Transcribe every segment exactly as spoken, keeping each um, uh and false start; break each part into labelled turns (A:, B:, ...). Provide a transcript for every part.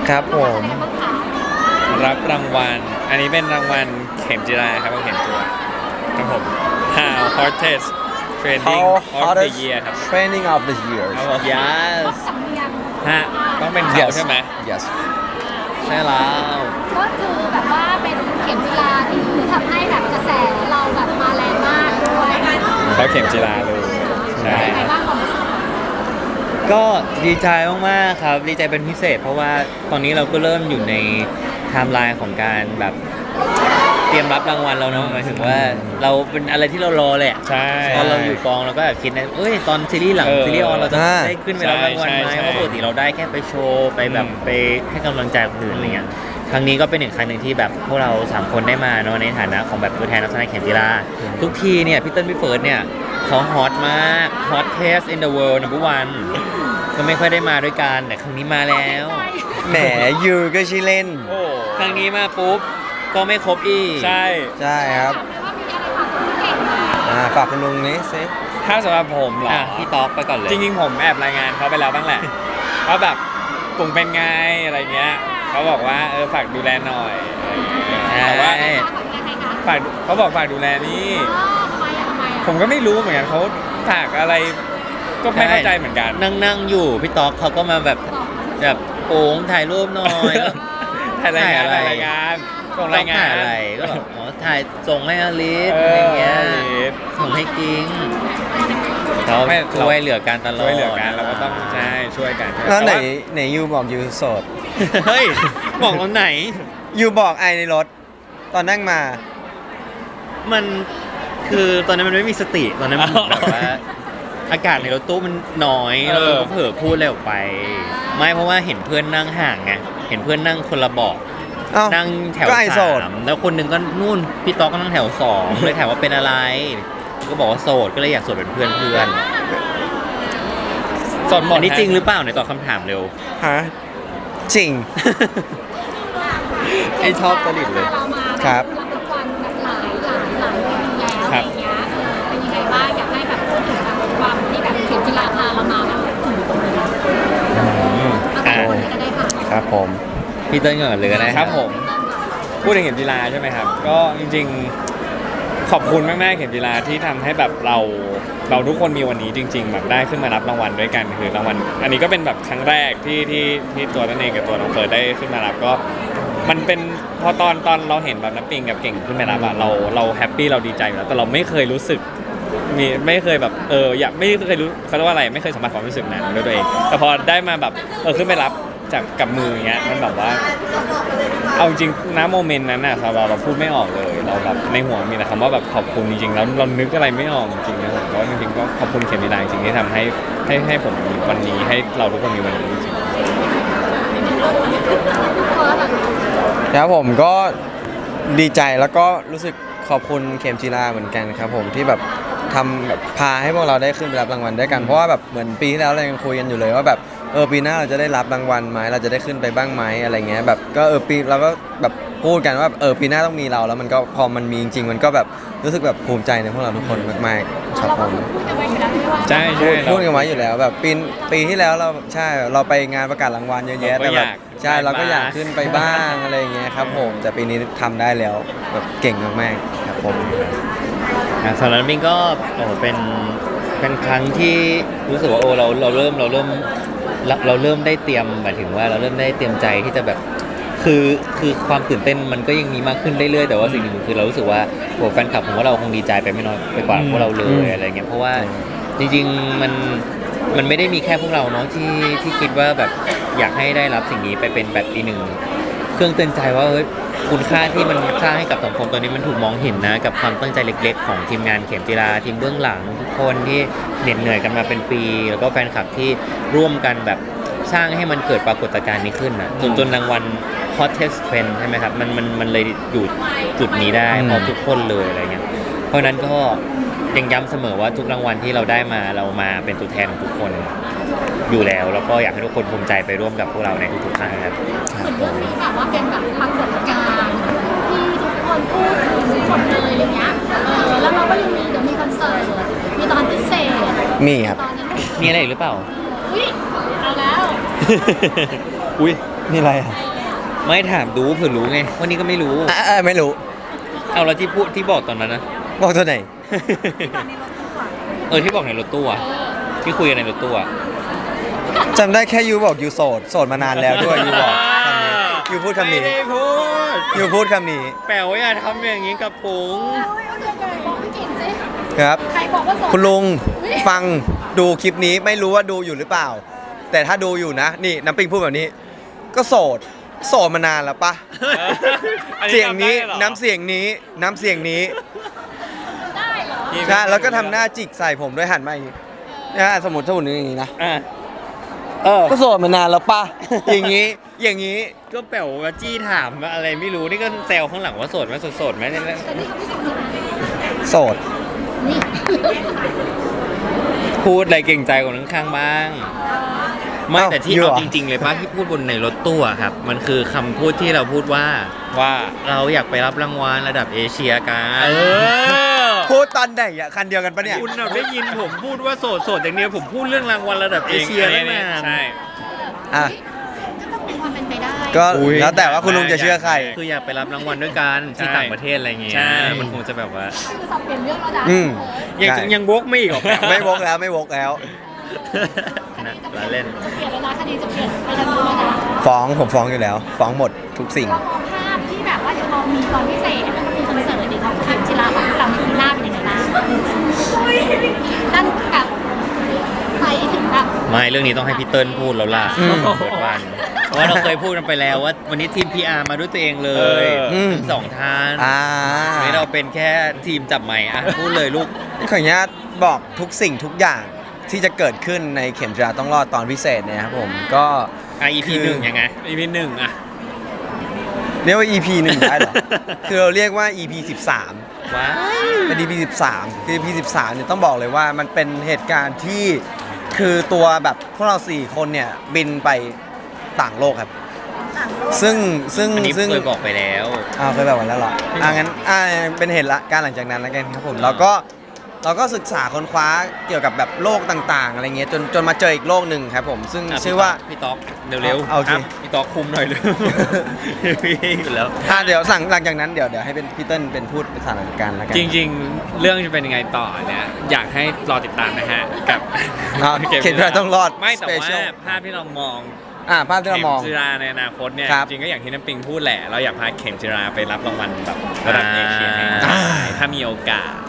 A: ครับผม
B: รับรางวัลอันนี้เป็นรางวัลเข็มจิราครับเข็มจิราครับผม How Hottest Training of the Year ครับ
A: Training of the Year
B: ครับผม
C: yes
B: ฮะต้องเป็นเขา
A: yes
B: ใช่ไหม
A: yes
C: ใช่แล้ว
D: ก็คือแบบว่าเป็นเข็มจีราที่ทำให้แบบกระแสเราแบบมาแรงมากด้วย
B: เขาเข็มจิราเลยใช่
D: เป็นไงบ้างความรู้สึก
C: ก็ดีใจมากๆครับดีใจเป็นพิเศษ เพราะว่าตอนนี้เราก็เริ่มอยู่ในไทม์ไลน์ของการแบบเตรียมรับรางวัลแล้วเนาะหมายถึงว่าเราเป็นอะไรที่เรารอเลยอะ
B: ใช่
C: ตอนเราอยู่กองเราก็แบบคิดนะเอ้ยตอนซีรีส์หลัง
B: เออ
C: ซีรีส์ออนเราจะ
A: อ่า
C: ได้ขึ้นไปรับรางวัลไหม
B: ใช่ใช่
C: เพราะปกติเราได้แค่ไปโชว์ไปแบบ
B: อืม
C: ไปให้กำลังใจคนอื่นอะไรเงี้ยครั้งนี้ก็เป็นหนึ่งครั้งหนึ่งที่แบบพวกเราสามคนได้มาเนาะในฐานะของแบบตัวแทนนักแสดงเข็มจีราทุกทีเนี่ยพี่เติ้ลพี่เฟิร์สเนี่ยเขาฮอตมาก hottest in the world number one ก็ไม่ค่อยได้มาด้วยกันแต่ครั้งนี้มาแล้ว
A: แหมยูก็ชื่อเล่น
B: โอ้
C: ครั้งนี้มาปุ๊บก็ไม่ครบอีก
B: ใช่
A: ใช่ครับ
D: ถามเลยว่ามีอะไรฝากคุณเก่งไหม
A: อ่าฝากคุณลุงนี้สิ
B: ถ้าสำหรับผมเหรอ
C: อ่ะพี่ต๊อกไปก่อนเลย
B: จริงๆผมแอบรายงานเขาไปแล้วบ้างแหละว่าแบบกลุ่มเป็นไงอะไรเงี้ยเขาบอกว่าเออฝากดูแลหน่อยอะไรเงี้ยแต่ว่า
C: ใช่
B: ฝากเขาบอกฝากดูแลนี่
D: อ๋อทำไมอ่ะทำไมอ่ะ
B: ผมก็ไม่รู้เหมือนกันเขาฝากอะไร ก็ไม่เข้าใจเหมือนกัน
C: นั่งนั่งอยู่พี่ต๊อกเขาก็มาแบบแบบโป้งถ่ายรูปหน่อย
B: ถ่ายรายงาน
C: ถ่ายอะไร
B: ถ่ายรายงานส่งรายงาน
C: ถ่ายอะไรก็แบบอ๋อถ่ายส่งให้อลิส
B: เอ
C: อะไร
B: อ
C: เงี้ย
B: ลิส
C: ส่งให้กิ้งเขา
B: ไม่
C: ช่วยเหลือกันตลอด
B: ช่วยเหลือกันเราก็ต้องใช่ช่วยกัน
A: แล้วไหน
B: ต่า
A: ไหนยูบอกยูโสด
C: เฮ้ยบอกตอนไหน
A: ยูบอกไอในรถ ตอนนั่งมา
C: มันคือตอนนั้นมันไม่มีสติตอนนั้นมันแบบว่าอากาศในรถตู้มันน้อยแล้วเราก็เผลอพูดอะไรออกไป ไม่เพราะว่าเห็นเพื่อนนั่งห่างไงเห็นเพื่อนนั่งคนละเบาะ
A: เอ้า
C: นั่งแถว
A: ก็ไอโสด
C: สามแล้วคนหนึ่งก็นู่นพี่ต๊อกก็นั่งแถวสองเลยถามว่าเป็นอะไร ก็บอกว่าโสดก็เลยอยากโสดเป็นเพื่อนเพื่อน
B: สดหมด
C: อันนี้จริงห
B: ฮะ
C: รือเปล่าในตอบคำถามเร็ว
A: ฮะจริง
C: ไอ้ชอบตลิดเลย
D: เรามา
A: ครับ
D: รับรางวัลแบบหลายหลายหลายเวทีแล้วอะไรอย่างเงี้ยเออเป็นยังไงบ้างอยากให้แบบพูดถึงแบบความที่แบบเข็มจีราพาเรามาแบบถึงตรงนี้เอาแต่คนนี้ก็ได้ค่ะ
A: ครับผม
C: พี่เติ้ลก่อนเลยก็ได้
B: ครับผม พูดถึงเข็มจีราใช่ไหมครับ ก็จริงๆ ขอบคุณมากๆเข็มจีราที่ทำให้แบบเราเราทุกคนมีวันนี้จริง ๆ แบบได้ขึ้นมารับรางวัลด้วยกันคือรางวัลอันนี้ก็เป็นแบบครั้งแรกที่ที่ที่ตัวนั่นเองกับตัวน้องเฟิร์สได้ขึ้นมารับก็มันเป็นพอตอนตอนเราเห็นแบบน้ำปิงกับเก่งขึ้นมารับอะเราเราแฮปปี้เราดีใจอยู่แล้วแต่เราไม่เคยรู้สึกมีไม่เคยแบบเอออยากไม่เคยรู้เขาเรียกว่าอะไรไม่เคยสัมผัสความรู้สึกนั้นด้วยตัวเองแต่พอได้มาแบบเออขึ้นไปรับจากกับมืออย่างเงี้ยมันแบบว่า เอาจริงๆนะโมเมนต์นั้นน่ะเราเราพูดไม่ออกเลยเราแบบในหัวมีแต่คำว่าแบบขอบคุณจริงๆแล้วเรานึกอะไรไม่ออกจริงๆนะผมก็จริงๆก็ขอบคุณเข็มจีราจริงๆที่ทำให้ให้ให้ผมมีวันนี้ให้เราทุกคนมีวันนี้จริง
A: ครับผมก็ดีใจแล้วก็รู้สึกขอบคุณเข็มจีราเหมือนกันครับผมที่แบบทำแบบพาให้พวกเราได้ขึ้นไปรับรางวัลด้วยกันเพราะว่าแบบเหมือนปีที่แล้วเรายังคุยกันอยู่เลยว่าแบบเออปีหน้าเราจะได้รับรางวัลไหมเราจะได้ขึ้นไปบ้างไหมอะไรเงี้ยแบบก็เออปีเราก็แบบพูดกันว่าเออปีหน้าต้องมีเราแล้วมันก็พอมันมีจริงๆมันก็แบบรู้สึกแบบภูมิใจในพวกเราทุกคนมากๆครับผม
D: พูดกันไว้อยู่แล้วไม่ว่า
B: ๆใช่ใช่
A: พูดกันไว้อยู่แล้วแบบปีปีที่แล้วเราใช่เราไปงานประกาศรางวัลเยอะแยะแต่แบบใช่เราก็อยากขึ้นไปบ้างอะไรอย่างเงี้ยครับผมแต่ปีนี้ทำได้แล้วแบบเก่งมากๆครับผม
C: อ่ะสำหรับมิงก็โอ้โหเป็นเป็นครั้งที่รู้สึกว่าโอ้เราเราเริ่มเราเริ่มเราเราเริ่มได้เตรียมหมายถึงว่าเราเริ่มได้เตรียมใจที่จะแบบคือคือความตื่นเต้นมันก็ยังมีมากขึ้นเรื่อยๆแต่ว่าสิ่งหนึ่งคือเรารู้สึกว่าโหแฟนคลับของเราคงดีใจไปไม่น้อยไปกว่าพวกเราเลยอะไรเงี้ยเพราะว่าจริงๆมันมันไม่ได้มีแค่พวกเราเนาะที่ที่คิดว่าแบบอยากให้ได้รับสิ่งนี้ไปเป็นแบบอีกหนึ่งเครื่องเตือนใจว่าเฮ้ยคุณค่าที่มันสร้างให้กับสังคมตอนนี้มันถูกมองเห็นนะกับความตั้งใจเล็กๆของทีมงานเข็มจีราทีมเบื้องหลังทุกคนที่เหน็ดเหนื่อยกันมาเป็นปี แล้วก็แฟนคลับที่ร่วมกันแบบสร้างให้มันเกิดปรากฏการณ์นี้ขึ้นนะจนจนรางวัล hottest trend ใช่ไหมครับมันมันมันเลยอยู่จุดนี้ได้เพราะทุกคนเลยอะไรเงี้ยเพราะนั้นก็ยังย้ำเสมอว่าทุกรางวัลที่เราได้มาเรามาเป็นตัวแทนของทุกคนอยู่แล้วแล้วก็อยากให้ทุกคนภูมิใจไปร่วมกับพวกเราในทุกๆครั้งครับ
D: เหมือนเรื่องนี้แบบว่าเป็นแบบปรากฏการณ์ที่ทุกคนพูดถึงหมดเลยอะไรเงี้ยเออแล้วเราก็ยังมีเดี๋ยวมีคอนเสิร์ตมีตอนพิเศษ
A: มีครับ
D: ตอนนั้น
C: มีอะไรอีกหรือเปล่า
D: อุ้ยเอาแล้ว
B: อุ้ย
A: นี่อะไรอ่ะ
C: ไม่ถามดูเผื่อรู้ไงวันนี้ก็ไม่รู้
A: อ่ะอ่ะไม่รู้
C: เอาแล้วที่พูดที่บอกตอนนั้นนะ
A: บอกตัวไหน
C: เออที่บอกในรถตู้อะที่คุยกันในรถตู้อะ
A: จำได้แค่ยูบอกยูโสดโสดมานานแล้วด้วยยูบอกคำนี้ยูพูดคำนี้
C: ไม่ได้พูด
A: ยูพูดคำนี้
C: แปลว่าอย่าทำอย่างนี้กับปุ๋ง
D: บอกพี่กินสิ
A: ครับ
D: ใครบอกว่าโสด
A: คุณลุง
D: อุ๊ย
A: ฟังดูคลิปนี้ไม่รู้ว่าดูอยู่หรือเปล่า แต่ถ้าดูอยู่นะ นี่น้ำปิงพูดแบบนี้ ก็โสดโสดมานานแล้วปะ
B: อั
A: เสียงนี้
B: จำได้เหรอ
A: น้ำเสียงนี้น้ำเสียงนี้
D: ได้เหรอ
A: ใช่แล้วก็ทำหน้าจิกใส่ผมด้วยหันมาอย่างนี้นะสมมติถ้าหุ่นอย่างนี้นะ
C: อ่ะเออ
A: ก็โสดมานานแล้วปะอย่างนี้อย่างนี้
C: ก็แปลว่าจี้ถามว่าอะไรไม่รู้นี่ก็แซวข้างหลังว่าโสดไหมโสดโสดไหมเนี่ย
D: แต่นี่เขาไม่โสดใช่ไหม
A: โสด
D: นี่
C: พูดอะไรเก่งใจคนข้างๆบ้าง ไม่
A: เอ้า
C: แต่ที่
A: อยู่
C: เอา
A: เหรอ
C: จริง ๆ เลยป้าที่พูดบนในรถตู้อะครับ มันคือคำพูดที่เราพูดว่า
B: ว่า
C: เราอยากไปรับรางวัลระดับเอเชียกัน
B: เออ
A: พูดตอนไหนอ่ะคันเดียวกันปะเนี่ย
C: คุณน่ะได้ยินผมพูดว่าโสดโสดอย่างเดียวผมพูดเรื่องรางวัลระดับเอเชีย
B: อั
C: ตั้งนาน
B: ใช่
A: อ่ะ
D: ก็ต้องมีความเป็นไปได้
A: ก็
B: อุ๊ย
A: แล้วแต่ว่าคุณลุงจะเชื่อใคร
C: คืออยากไปรับรางวัลด้วยกันที่
B: ใช่
C: ต่างประเทศอะไรเงี้ย
B: ใช่
C: มันคงจะแบบว่า
D: คือสับเปลี่ยนเรื่องแล้วนะ
A: อืม
C: ยัง
A: ใช่
C: ยังวกไม่อีกเหรอ
A: ไม่วกแล้วไม่วกแล้ว
C: นะล้อเล่น
D: จะเปลี่ยนแล้วนะคดีจะเปลี่ยนไปทางนู้นแล้วนะ
A: ฟ้องผมฟ้องอยู่แล้ว ฟ้องหมดทุกสิ่ง
D: เรามองภาพที่แบบว่าเดี๋ยวเรามีตอนพิเศษแล้วก็มีคอนเสิร์ตอีกของเข็มจิราของพวกเราในปีหน้าเป็นยังไงบ้างนั่นแบบไปถึงแบบ
C: ไม่เรื่องนี้ต้องให้พี่เติ้ลพูดแล้วล่ะ
A: อืม
C: เปิดวันเพราะว่าเราเคยพูดกันไปแล้วว่าวันนี้ทีม พี อาร์ มาด้วยตัวเองเลย
A: อืม
C: ทั้งสองท่าน
A: อ่า
C: วันนี้เราเป็นแค่ทีมจับใหม่อ่ะพูดเลยลูก
A: ขออนุญาตบอกทุกสิ่งทุกอย่างที่จะเกิดขึ้นในเข็มจิราต้องรอดตอนพิเศษเนี่ยครับผมก็
C: อ่ะ อี พี
A: คือ
C: หนึ่งยังไง
B: อีพีหนึ่งอ่ะ
A: เรียกว่า อี พี หนึ่งได้เหรอ คือเราเรียกว่า อี พี สิบสาม
C: ว้า
A: เป็น อี พี สิบสามคือ อี พี สิบสามเนี่ยต้องบอกเลยว่ามันเป็นเหตุการณ์ที่คือตัวแบบพวกเราสี่คนเนี่ยบินไปต่างโลกครับ ซึ่งซึ่ง
C: อันนี้
A: ซึ่ง
C: เคยบอกไปแล้ว
A: อ้าวเคยแบบวันแล้วเหรออ่างั้นอ่าเป็นเหตุละการหลังจากนั้นแล้วกันครับผมเราก็เราก็ศึกษาค้นคว้าเกี่ยวกับแบบโลกต่างๆอะไรเงี้ยจนจนมาเจออีกโลกหนึ่งครับผมซึ่ง
C: อ่ะ
A: ชื่อว่า
C: พี่ต๊อกเร็ว
A: เอาโอเค
C: รับพี่ต๊อกคุมหน่อยเร็ว พี่อยู่แล้ว
A: อ่าเดี๋ยวสั่งหลังจากนั้นเดี๋ยวเดี๋ยวให้เป็นพี่เติ้ลเป็นพูดสถานการณ์แล้วกัน
B: จริงๆ เรื่องจะเป็นยังไงต่อเนี่ยอยากให้รอติดตามนะฮะ กับ
A: อ่าเข็มจิราต้องรอด
B: ไม่แต่ว่า
A: Special
B: ภาพที่เรามอง
A: อ่าภาพที่เรามอง
B: เข็มจิราในอนาคตเนี่ย
A: ครับ
B: จริงก็อย่างที่น้ำปิงพูดแหละ เราอยากพาเข็มจิราไปรับรางวัลแบบระดับเอเชียให้ได้
A: อ่า
B: ถ้ามีโอกาส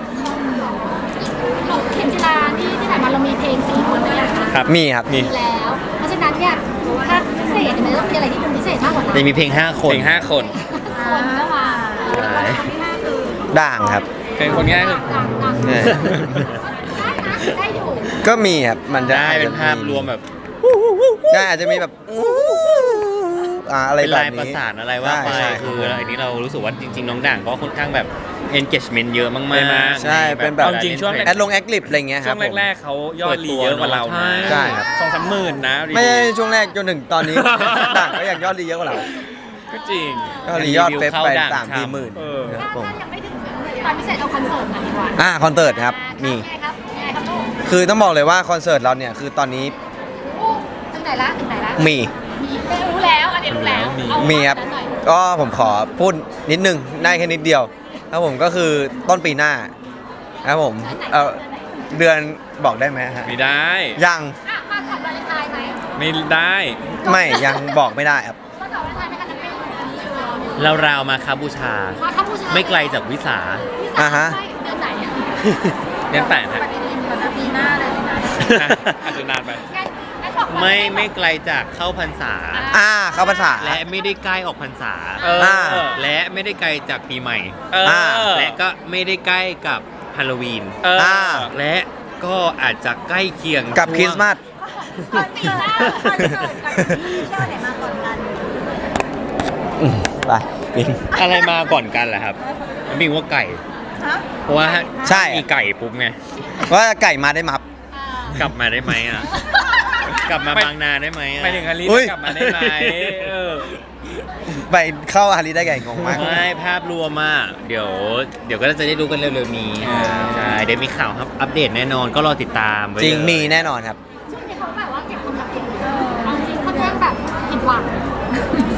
D: เราเข็มจิราที่ที่ผ่านมาเรามีเพลงสี่คนด้วยนะคะ
B: ครับ
A: มีครับ
B: มี
D: มีแล้ว เพราะฉะนั้นเนี่ยถ้าพิเศษเนี่ยมันต้องมีอะไรที่เป็นพิเศษมากกว่านั้น
C: จะมีเพลงห้าคน
B: เพลงห้าคน
D: คนก็มา
C: ใช่
D: ที่ห้าคือ
A: ด่างครับ
B: เป็นคนง่ายคือ
D: ดังดัง
A: เนี่ย
D: ได้นะได้อยู่
A: ก็มีครับมันจะ
C: ได้เป็นภาพรวมแบบ
A: ได้อาจจะมีแบบอ่าอะไร
C: เป็น
A: แบบ
C: ลาย
A: นี้
C: ประสานอะไรว่าไป
A: ใช่ใช่
C: คืออันนี้เรารู้สึกว่าจริงๆ น้องด่างก็ค่อนข้างแบบ engagement เยอะมาก
B: ใช่ไหม
C: ๆ
A: ใช่เป็นแบบ
B: เอาจริงช่วง
A: แอดลงแอคลิปอะไรเงี้ยค
B: ช่
A: รั
B: ว
A: บ
B: ง
A: ผม
B: แรกๆเขายอดรีเยอะกว่าเรานะ
A: ใช่ครับ
B: สองสามหมื่นนะรีวิว
A: ไม่ใช่ช่วงแรกจนถึงตอนนี้ ด่างก็ยังยอดรีเยอะกว่าเรา
B: ก็จริง
A: ยอดรียอดเฟซไป
C: เข้าด่าง
A: สามสี่หมื่น
B: เออ
A: ครับผม
D: ถ้ายังไม่ถึงตอนพิเศษเอาคอนเสิร์ตมาดีกว่า
A: อ่าคอนเสิร์ตครับมี
D: ไงครับไงครับลูก
A: คือต้องบอกเลยว่าคอนเสิร์ตเราเนี่ยคือตอนนี้
D: ถึงไหนละถึงไหนละ
A: มี
D: มีไม่รู้แล้วอันนี้รู้แล้วเอา
A: มีครับ
D: นั้นหน่อย
A: ก็ผมขอพูดนิดนึงได้แค่นิดเดียวครับผมก็คือต้นปีหน้าครับผมเออเดือนบอกได้ไหมฮะ
B: ไม่ได้
A: ยัง
D: อ่ะมาก่อนวาเลนไทน์ไหม
B: ไม่ได้
A: ไม่ยังบอกไม่ได้ครับ
D: มาก่อนวาเลนไทน์ไหมคะน้ำเป็น
C: เราราวๆมาคาบูชา
D: มาครับผู้ชาย
C: ไม่ไกลจากวิสา
D: พี่สาว
A: อ่าฮะ
D: ไม่เดือนไหนอะ
B: เดือนแปดฮะ
D: ปฏิทินปฏิทินหน้าเลยนะ
B: อ่ะอาจจะนานไป
D: งั้นงั้นบอกว่า
C: ไม่ไม่ไกลจากเข้าพรรษา
A: อ่าเข้าภาษา
C: และไม่ได้ใกล้ออกพรรษา
B: เออ
A: อ่า
C: และไม่ได้ไกลจากปีใหม่
B: เออ
C: และก็ไม่ได้ใกล้กับฮาโลวีน
B: เออ
A: อ่า
C: และก็อาจจะใกล้เคียง
A: กับคริสต์มาส
D: ก่อนปีหน้าคอนเสิร์ตกับที่เชื่อไหนมาก่อนกัน
A: อืมไปปิง
C: อะไรมาก่อนกันล่ะครับมันมีว่าไก่ เพราะว่า
A: ใช่
C: มีไก่ปุ๊บไง
A: ว่าไก่มาได้มับ
C: กลับมาได้ไหมอ่ะ กลับมา
B: ไม่
C: บางนาได้ไหมอ่ะ
B: ไปถึงฮาริ
A: อุ้ย
B: กลับมาได้ไหมเออ
A: ไปเข้าฮาริได้ไก่งงมาก
C: ไม่ภาพรวมอ่ะเดี๋ยว เดี๋ยวก็จะได้รู้กันเร็วๆนี้
B: อ่า
C: ใช่เดี๋ยวมีข่าวครับอัปเดตแน่นอนก็รอติดตามไว้
A: จริง
C: เลย
A: มีแน่นอนครับ
D: ช่วงนี้เขาแบบว่าเก็บความลับเก่งเอาจริงค่อนข้างแบบผิดหวัง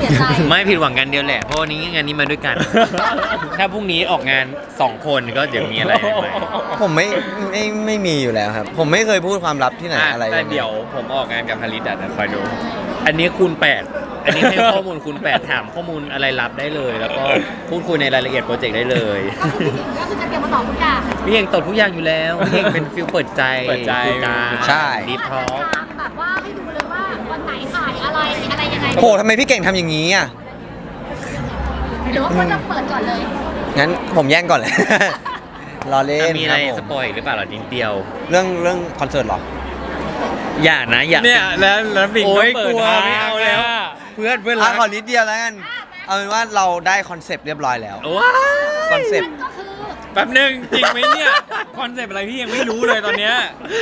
D: สียใจ
C: ไม่ผิดหวังกันเดียวแหละ เพราะวันนี้งานนี้มาด้วยกัน ถ้าพรุ่งนี้ออกงานสองคนก็เดี๋ยวมีอะไรใหม่
A: ผมไม่ไม่ไม่มีอยู่แล้วครับ ผมไม่เคยพูดความลับที่ไหน
B: อ่ะ
A: อะไร
B: แต่
A: ยังไง
B: เดี๋ยวผมออกงานกับพาริสอ่ะนะคอยดู
C: อันนี้คูณแปดอันนี้ให้ข้อมูลคูณแปดถามข้อมูลอะไรลับได้เลย แล้วก็พูดคุยในรายละเอียดโปรเจกต์ได้เลย
D: ก็คือพี่หญิงก็คือจะเตรียมมาตอบทุกอย่าง
C: พี่เองตอบทุกอย่างอยู่แล้วพี่เองเป็นฟิลเปิดใจ
B: เปิดใจ
C: คุยกัน
A: ใช่
C: ดีพร้อม
D: ตามแบบว่าให้ดูเลยว่าวันไหนถ่ายอะไรอะไรยังไง
A: โหทำไมพี่เก่งทำอย่างนี้อ่ะ
D: หรือว่าควรจะเปิดก่อนเลย
A: งั้นผมแย่งก่อนเลย รอเล่น
C: มี
A: ค
C: อะไร
A: รับผ
C: ส
A: ม
C: ปอยอีกหรือเปล่าหรอนิดเดียว
A: เรื่องเรื่องคอนเสิร์ตเหรอ
C: อย่านะอย่า
B: เนี่ยแล้วแล้วบิง
C: โอ้
B: ก็
C: ย
B: เปิ
C: ก
B: ด
C: ลัว
B: ทาง
C: ไม่เอาแล้ว เพื่อนเพื่อน
A: อ่ะ
C: รัก
A: ขอนิดเดียวแล้วกัน เอาเป็นว่าเราได้คอนเซปต์เรียบร้อยแล้ว
C: ว้า
A: คอนเซปต์
D: ก็คือ
B: แป๊บนึงจริงไหมเนี่ยคอนเซปต์อะไรพี่ยังไม่รู้เลยตอนเนี้ย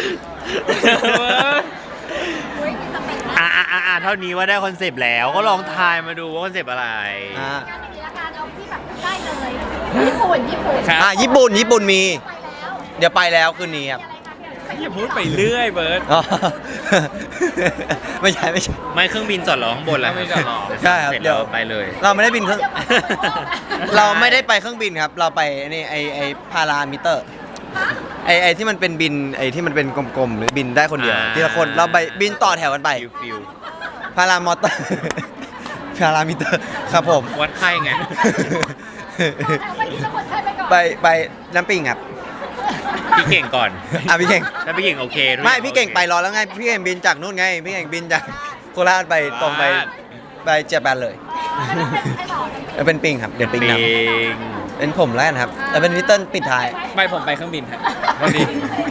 D: อุ้ยมีสเปค
C: อ่าอ่าอ่าเท่านี้ว่าได้คอนเซปต์แล้วก็ลองทายมาดูว่าคอนเซปต์อะไร
A: อ่า
D: งานนี้ละกันเอาที่แบบได้เลยญี่ปุ่นญี่ปุ่น
B: ครับ
A: อ่ะญี่ปุ่นญี่ปุ่นมี
D: ไปแล้ว
A: เดี๋ยวไปแล้วคืนนี้ครับ
B: อย่าพูดไปเรื่อยเบิร์ด
A: อ๋อ ไม่ใช่ไม่ใช่
C: ไม่เครื่องบินจอดรอข้างบนแล้ว
B: เครื่องบินจอดรอ
A: ใช่ครับ
C: เสร็จ
A: เดี๋
C: แล้
A: ยว
C: วไปเลย
A: เราไม่ได้บินเครื่อง
D: เดี๋ยวมา
A: เราไม่ได้ไปเครื่องบินครับ เราไปนี่ไอไอพารามิเตอร์ ไอไอที่มันเป็นบินไอที่มันเป็นกลมๆหรือบินได้คนเดียว
C: อ่า
A: ทีละคนเราไปบินต่อแถวกันไป
C: ฟิลฟิล
A: พารามอเตอร์ พารามิเตอร์ครับผม
C: วัดไข้ไง
D: ไปที่ละคนใช่ไปก่อน
A: ไปไปน้ำปิงครับ
C: พี่เก่งก่อน
A: อ่ะพี่เก่ง
C: ถ้าพี่เก่งโอเคทุ
A: ไม่
C: อย่า
A: พี่เก่ง
C: โอค
A: ไปรอแล้วไงพี่เก่งบินจากนู่นไงพี่เก่งบินจากโคราชไปตรงไปไปเจแปนเลย
D: ไม่ต้องเป็นไอ้หลอก
A: แล้วเป็นปิงครับเดี๋ยวปิง
C: ปิ
A: น
C: ง
A: ำเป็นผมแล้วกันครับแล้วเป็นพี่เติ้ลปิดท้าย
B: ไม่ผมไปเครื่องบินฮะวันนี้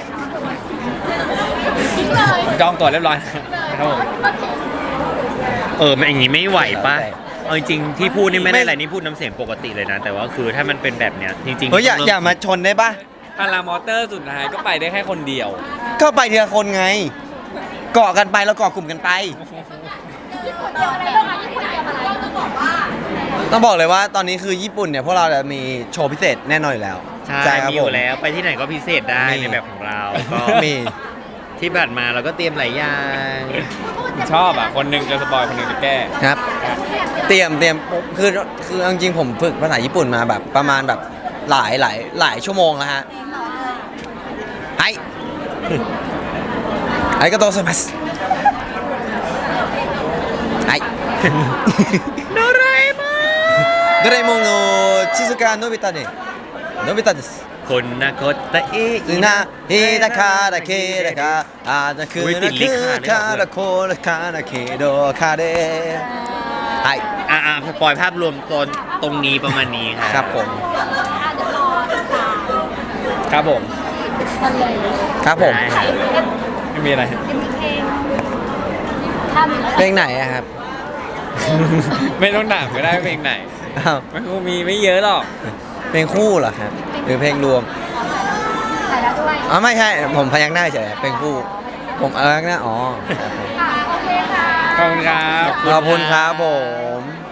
D: ทิ้งเลย
B: จองตั๋วเรียบร้อยครับผม
C: เออมันอย่างนี้ไม่ไหวปะเอาจริงๆที่พูดนี่ไม่ได้อะไรนี่พูดน้ำเสียงปกติเลยนะ แต่ว่าคือถ้ามันเป็นแบบเนี้ยจริงๆ
A: เฮ้ยอย่า
C: ต้อง
A: อย่ามาชนได้ปะ
B: พารามอเตอร์สุดท้ายก็ไปได้แค่คนเดียว
A: ก็ไปทีละคนไง เกาะกันไปแล้วเกาะกลุ่มกันไป
D: ญี่ปุ่นเดียวอะไรบ้างอะญี่ปุ่นเดียวอะไรต้องบอกว่า
A: ต้องบอกเลยว่าตอนนี้คือญี่ปุ่นเนี่ยพวกเราจะมีโชว์พิเศษแน่นอนอยู่แล้ว
C: ใช่
A: ครับ
C: มีอยู่
A: ผม
C: แล้วไปที่ไหนก็พิเศษได้
A: มี
C: ในแบบของเราก็
A: มี
C: ที่ผ่านมาเราก็เตรียมหลายอย่าง
B: ชอบอ่ะ คนหนึ่งจะสปอยคนหนึ่งจะแก้
A: ครับ เตรียมเตรียมคือคือเอาจริงๆผมฝึกภาษาญี่ปุ่นมาแบบประมาณแบบหลายหลายหลายชั่วโมงแล้วฮะไอไอกาโตไซมัสไอ
C: โดเรมอน
A: ドラえもんのชิซุกะโนบิตะเนี่ยโนบิตะです
C: คนนาคตตะเอะ
A: な日だからけだかあだく
C: อุ๊ยติ
A: な
C: ดลิขค่ะ
A: く
C: ไม่
A: か
C: บอก
A: ら
C: เลย
A: これからけど彼はい
C: อ่าอ่าปล่อยภาพรวมตอนตรงนี้ประมาณนี้ครับ
A: ครับผม
D: อ่ะเดี๋ยวรอติดตาม
B: ครับผม
D: กันเลย
A: ครับผม
C: ได้ครับ
B: ไม่มีอะไร
D: เป็นเพลงถ้ามีแล้ว
A: เพลงไหนอะครับ
B: ไม่ต้องถามก็ได้ว่าเพลงไหน
A: อ้าว
B: มันคงมีไม่เยอะหรอก
A: เพลงคู่เหรอครับหรือเพลงรวม
D: ใส่แล้วด้วย
A: อ๋อไม่ใช่ผมพยักหน้าเฉยเพลงคู่ ผมพยักหน้าอ๋อครับผม
D: ค่ะโอเคค่ะ
B: ขอบคุณครับ
A: ขอบคุณครับผม